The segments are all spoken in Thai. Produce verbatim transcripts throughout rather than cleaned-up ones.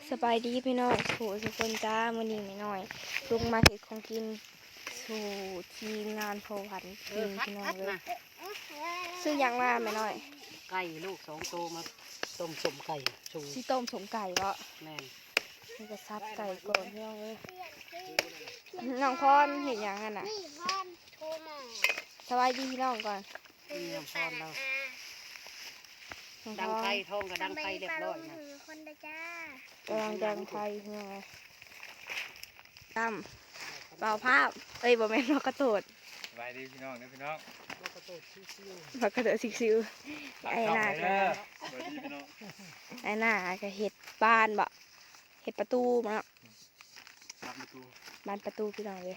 สบายดีพี่น้องสู่สุคนจ้ามื้อนี้ไม่น้อยลุงมาเห็ดของกินสู่ทีมงานพอวันกินพี่น้องเลยซื้อยังมาไม่น้อยไก่ลูกสองโตมาต้มสมไก่ชูซีต้มสมไก่เพราะแม่นี่ก็ซับไก่ก่อนพี่น้องเลยน้องพรเห็นยังกันน่ะสบายดีพี่น้องก่อนนี่น้องพรเราดังไก่ทองกับดังไก่เรียบร้อยนะกำลังดังไก่พี่น้องเลยตั้มเปล่าภาพเอ้ยบ่แม่นมากระโดดสบายดีพี่น้องนะพี่น้องมากระโดดซิวๆมากระโดดซิวๆไอ้หน้าก็สวัสดีพี่น้องไอ้หน้าก็เห็ดบ้านบ่เห็ดประตูมาเนาะประตูบ้านประตูพี่น้องเลย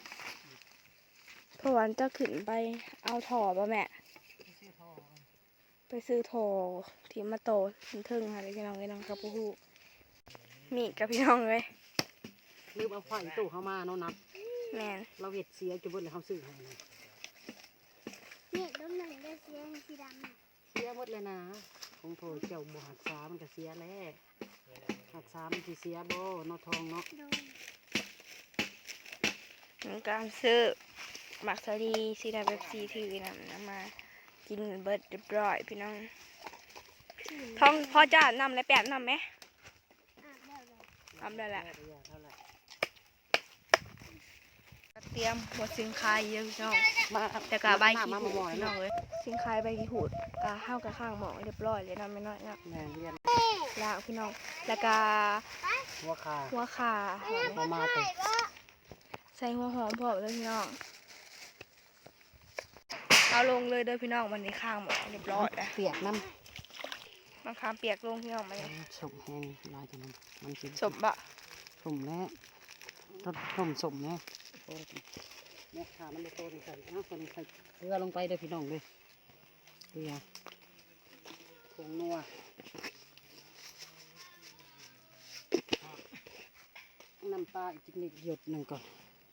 พอวันจะขึ้นไปเอาถ่อป่ะแม่ไปซื้อถ่อที่มาโตทึ่งๆค่ะพี่น้องเลยน้องกับผู้มีกับพี่น้องเลยลืมเอาไฟตู้เข้ามาเนาะนับแม่เราเห็ดเสียจุบเลยเขาซื้อให้นี่ต้นหนึ่งได้เสียสีดำเสียหมดเลยนะคงโถเจ้าบ่หักษามันก็เสียแล้วหักษามันสิเสียบ่นอทองเนาะการซื้อหมักสาลีซีดาเบปซีถือนำนำมากินเบิร์ดเรียบร้อยพี่น้องท้องพ่อจ้านำอะไรแปบนำไหมนำได้แหละเตรียมหัวสิงคายเยอะพี่น้องแต่กะใบขี้หูดพี่น้องเลยสิงคายใบขี้หูดกะห้าวกะข้างหมอเรียบร้อยเลยนะไม่น้อยนะแล้วพี่น้องแล้วก็หัวขาหัวขาหัวมาเตะใส่หัวหอมพอเลยพี่น้องเอาลงเลยเด้อพี่น้องวันนี้ข้างหมดเรียบร้อยแล้วเปียกน้ำบางคำเปียกลงพี่น้องมาเลยสมแห้งลายจังมันกินสมบะสมแล้วต้นสมสมเนี่ยเนี่ยขามันเลยโตใส่เอาคนใส่เกลือลงไปเด้อพี่น้องเลยเกลือผงนัวน้ำปลาอีกนิดหยดหนึ่งก่อน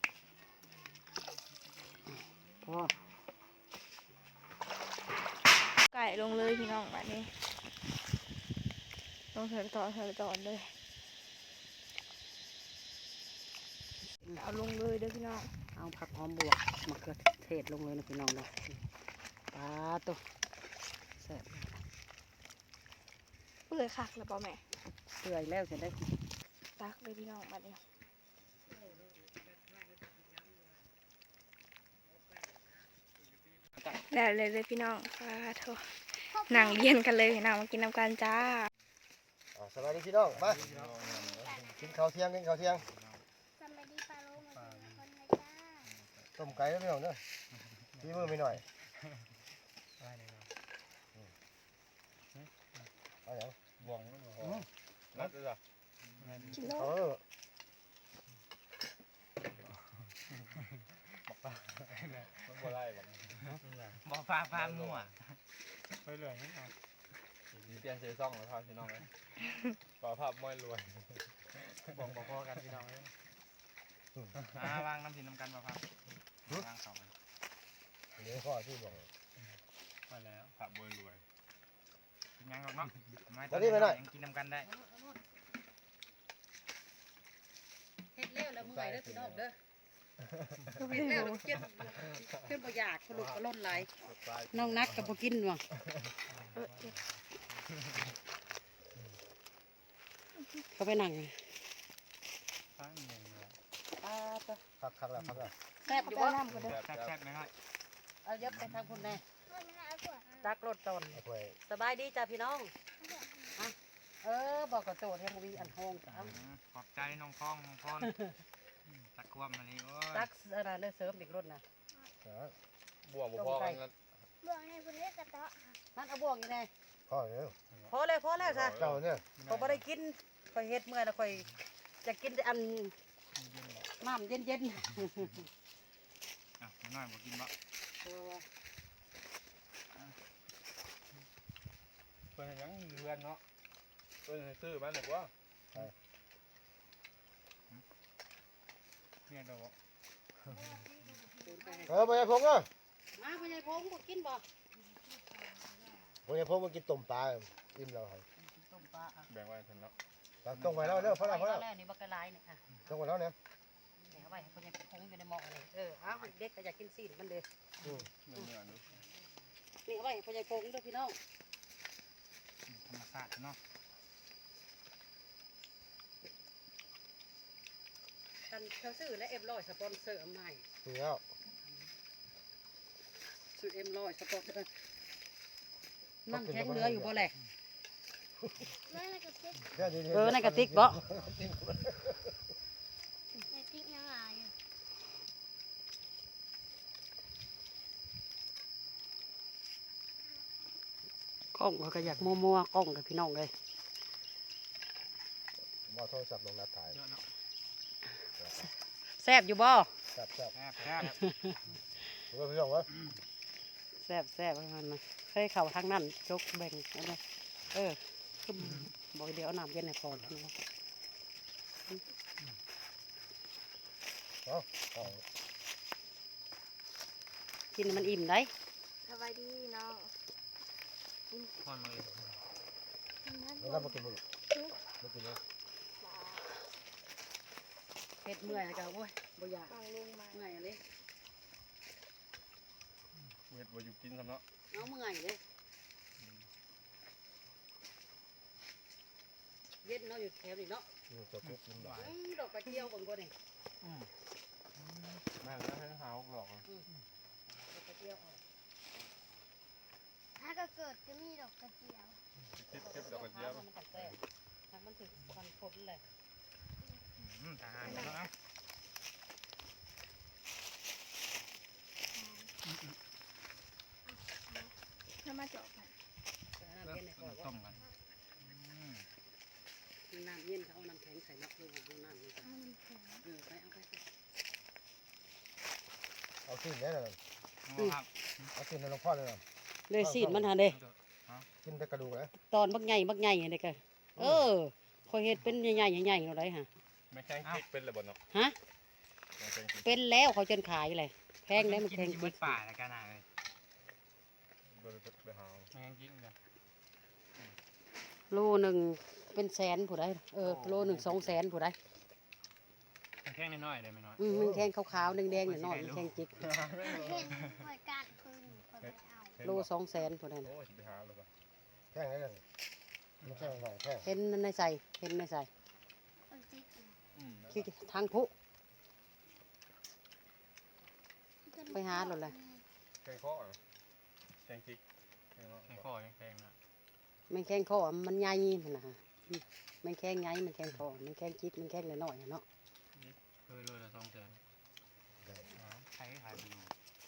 พอไก่ลงเลยพี่น้องแบบนี้ลงเถิดต่อเถิดต่อเลยเอาลงเลยเด้อพี่น้องเอาผักหอมบวกมะเขือเทศลงเลยนะพี่น้องเลยปลาตัวแซ่บเปื่อยคักแล้วเปล่าแม่เปื่อยแล้วจะได้ตักเลยพี่น้องแบบนี้แล้วเลยเลยพี่น้องปลาโถหนังเย็นกันเลยหนังมากินน้ำกันจ้าสวัสดีพี่น้องมากินข้าวเที่ยงกินข้าวเที่ยงสวัสดีปลาโลมาเป็นคนนะจ้าต้มไก่แล้วพี่น้องเด้อพี่มือไม่หน่อยเอาอย่างบ่วงนั่นหรอนัดจ้ะกินแล้วบอกป้ามันบ่ไล่บอกบอกป้าป้ามั่วไปเลยนี่เอาเปลี่ยนเสื้อซ่องแล้วพาพี่น้องเลยป่าภาพมวยรวยบอกบอกพ่อกันพี่น้องเลยอ่าวางน้ำสินน้ำกันป่าภาพวางเขาเดี๋ยวพ่อที่บอกไปแล้วภาพมวยรวยกินยังเนาะไม่ตอนนี้ยังกินน้ำกันได้เฮ็ดเลี้ยวแล้วเมื่อยเด้อพี่น้องเด้อเฮ็ดเลี้ยวเจ็บขึ้นบ่อยากขลุกกระล้นไหลน้องนักกับบ่กินว่ะเขาไปนั่งข้างเงินเลยอ่าตัวคักคักแล้วคักแล้วแซ่บอยู่บ่แซ่บแซ่บไหมครับเอาเยอะไปทางคุณแน่ตักรถตนสบายดีจ้าพี่น้องเออบอกกระโจดให้มีอันห้องจ้าขอบใจน้องคล้องน้องพรตักความอันนี้โอ้ยตักอะไรเลือเสริมเด็กรถนะบ่วงบ่พอกันนั่นบ่วงในคนเล็กกระเตาะนั่นเอาบ่วงยังไงพอแล้วพอเลยพอแล้วจ้ะเจ้าเนี่ยพอไม่ได้กินคอยเฮ็ดเมื่อยแล้วคอยจะกินอันน้ำเย็นเย็นอ่ะน้อยบ่กินบ่เพิ่นยังเรือนเนาะเพิ่นซื้อมาหนึ่งว่าเนี่ยเดี๋ยวเออไปไอ้พงษ์อ่ะมาไปไอ้พงษ์กินบ่ไปไอ้พงษ์มากินต้มปลาอิ่มแล้วครับต้มปลาแบ่งไว้เพิ่นเนาะตักตรงไว้แล้วเด้อพอแล้วพอแล้วแล้วนี่บักกะลายเนี่ยอ่ะตรงไว้แล้วเนี่ยแหมไว้ให้คนยังคงอยู่ในหม้อเลยเออเอาเด็กก็อยากกินซีนมันเด้อืมเนื้อเนื้อดูนี่เอาไว้ให้คนยังคงด้วยพี่น้องธรรมชาติเนาะกันเขาซื้อและเอ็มร้อยสปอนเซอร์ใหม่นี่แล้วซื้อเอ็มร้อยสปอนเซอร์น้ำแข็งเหลืออยู่บ่แหละไม่อะไรกับติ๊กแค่นี้เออในกระติกบ่ในติ๊กยังไงอยู่กล้องเขาก็อยากมัวๆกล้องกับพี่น้องเลยบ่โทรศัพท์ลงนัดถ่ายแซ่บอยู่บ่แซ่บแซ่บแซ่บแซ่บเออพี่น้องวะแซ่บแซ่บให้มันมาเคยเข้าทางนั้นจกแบ่งเอาเลยเออคือบอกเดี๋ยวเอาน้ำเย็นให้พอแล้วนะเอาเอากินให้มันอิ่มได้สบายดีน้องพอนมาเลยแล้วก็มากินบุหรี่มากินเลยเผ็ดเมื่อยแล้วก็โอ้ยบ่อยากฟังลุงมาเมื่อยเลยเวทบ่อยู่กินซะเนาะเอาเมื่อยเลยเย็นเนาะอยู่แถวนี้เนาะอืมจะปุ๊บกินบ่อืมดอกกระเจียวบนบนนี่แม่งแล้วให้หาหลอกดอกกระเจียวออกถ้าก็เกิดจะมีดอกกระเจียวเก็บเก็บดอกกระเจียวมันตัดแซ่ทางมันถึงควันฝนเลยทหารเนาะถ้ามาจบค่ะน้ำเย็นในคอต้มกันน้ำเย็นเขาเอาน้ำแข็งใส่นักดูเอาน้ำนี่เอามันแข็งเออไปเอาไปเอาสิ้นแน่นอนครับเอาสิ้นในหลวงพ่อเลยนะเลยซีดมันหาเด้กินแต่กระดูกเลยตอนบักใหญ่บักใหญ่เด็กก็เออคอยเห็ดเป็นใหญ่ใหญ่ใหญ่ๆอะไรฮะไม่แข็งคิกเป็นเลยบ่เนาะฮะไม่แข็งคิกเป็นแล้วเขาจนขายเลยแพงได้มันแพงกินป่าแล้วกันนะเลยบ่ได้ไปหาไม่งั้นกินเลยโลหนึ่งเป็นแสนผู้ใดเออโลหนึ่งสองแสนผู้ใดแค่น้อยๆเลยไม่น้อยอืมมันแทงขาวๆแดงๆหน่อยๆมันแทงจิกเห็นคอยการคืนคอยไปเอาโลสองแสนผู้ใดนะโอ้ยไปหาเลยป่ะแท่งให้กันไม่แท่งหน่อยแท่งเห็นในใส่เห็นในใส่เอาติ๊กเลยอืมที่ทางผู้ ไปหาหล่นเลยแข็งข้อแข็งคิกแข็งแข็งคอแข็งนะมันแข้งคอมันใหญ่มันนะฮะอืมมันแข้งใหญ่มันแข้งคอมันแข้งจิกมันแข้งน้อยๆอะเนาะเคยเลยละสองแสนใครขายไปอยู่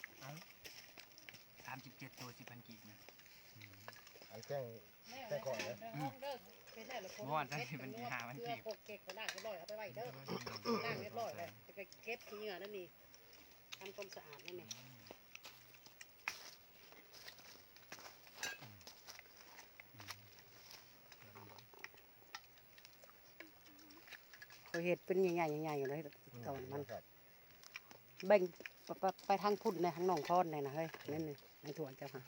สามสิบเจ็ดตัวสิบพันกีบเนี่ยไอ้แท่ง แค่ก่อนนะเมื่อวานได้เป็นกี่หาพันกีบเกลือเก็บไปล่างเรียบร้อยเอาไปไว้เด้อล่างเรียบร้อยเลยแล้วก็เก็บขี้เหงื่อนั่นนี่ทำความสะอาดนั่นนี่เขาเห็ดเป็นใหญ่ๆใหญ่ๆอยู่เลยตอนมันครับแบ่งไปไปไปทางพุ่นในทางหนองคอนในนะเฮ้ยนั่นนี่ในถั่วเจ้าค่ะ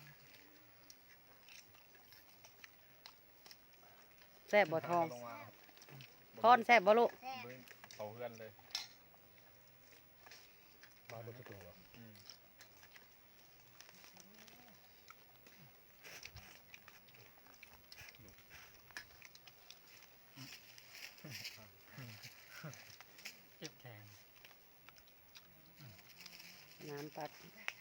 แซ่บบ่ทองทอนแซ่บบ่ลูกแซ่บเขาเพื่อนเลยมาบนตัวอืมเก็บแข็งน้ำปัด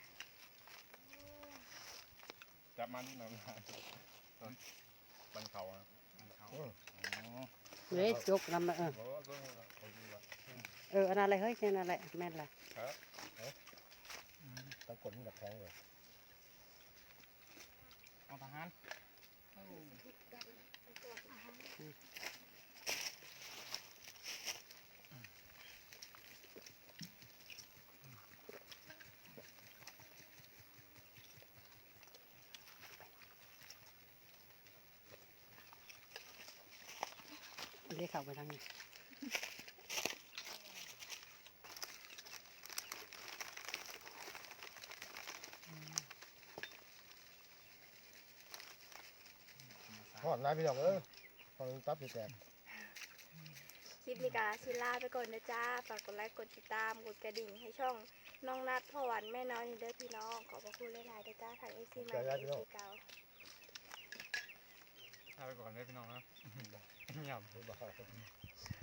จับมาดูน้ำบันเขาอ่ะอืมเฮ้ยจกน้ำมาเออบอกว่าก็เขาดีว่ะเอออันนั้นอะไรเฮ้ยอันนั้นอะไรแม่นละครับตั้งกลนี่กับแท่งเลยเอาทหารเรียกเข้าไปทางนี้หอดนายพี่น้องเอ้ยหอดตับอยู่แตกลิปนี้ก็สิลาไปก่อนนะจ้าฝากกดไลค์กดติดตามกดกระดิ่งให้ช่องน้องนัดพ่อหวันแม่น้อยนี่เด้อพี่น้องขอบพระคุณหลายๆนะจ้าทางเอซีใหม่เอซีเก่าลาไปก่อนเลยพี่น้องนะเงียบบ่